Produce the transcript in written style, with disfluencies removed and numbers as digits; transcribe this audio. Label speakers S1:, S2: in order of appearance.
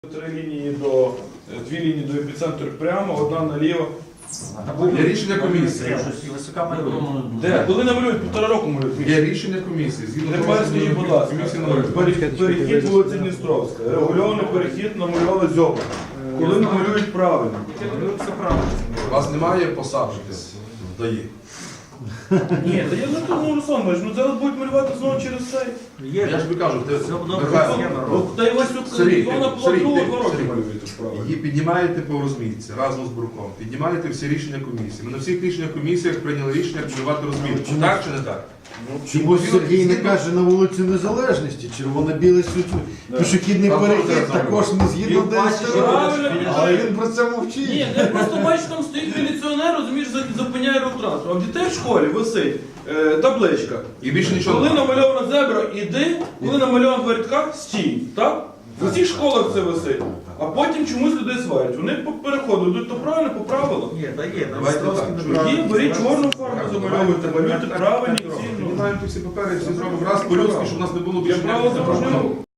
S1: Дві лінії до епіцентру прямо, одна наліво.
S2: Є рішення комісії.
S1: Де? Коли намалюють, 1,5 року малюють.
S2: Є рішення комісії. Згідно
S1: Тепер скажіть, будь ласка,
S2: комісії номер.
S1: перехід вулиці Дністровська, регульований перехід намалювали зьоба. Коли намалюють правильно?
S2: У вас немає посаджитись в ДАІ?
S1: Ні, та я не тому, Руслан Іванович, ну зараз будуть малювати знову через цей.
S2: Я ж тобі кажу, ти
S1: Ну, та й ось
S2: Сергій,
S1: вона
S2: Сергій,
S1: плану
S2: ти-
S1: 2 роки
S2: Сергій.
S1: малюєте справи.
S2: її піднімаєте по розмітці разом з бурком. Піднімаєте всі рішення комісії. Ми на всіх рішеннях комісіях прийняли рішення піднімати розмітку. Так чи не так?
S3: Чому Сергій не каже на вулиці Незалежності, червоно-білий пішохідний
S2: Там
S3: перехід
S2: теж
S3: також не згідно
S1: Правильно,
S3: але він про це мовчить.
S1: Ні, я просто бачу, там стоїть міліціонер, розумієш, зупиняє рух-транспорт. А в дітей в школі висить табличка.
S2: І більше нічого
S1: Коли
S2: немає.
S1: намальована зебра, іди, коли намальована в рядках, стій. Так? В усіх школах це висить. А потім чомусь людей сварять. Вони по переходу йдуть то правильно, по правилам.
S4: Ні, та є,
S2: Давайте так.
S1: Є, беріть чорну фарбу, замальовуйте, малюйте правильні всі.
S2: Піднімаємо ті всі папери, всі зробимо раз по-людськи, щоб у нас не було
S1: Я
S2: більше
S1: право
S2: ніяких
S1: дорожнього
S2: проблем.
S1: руху.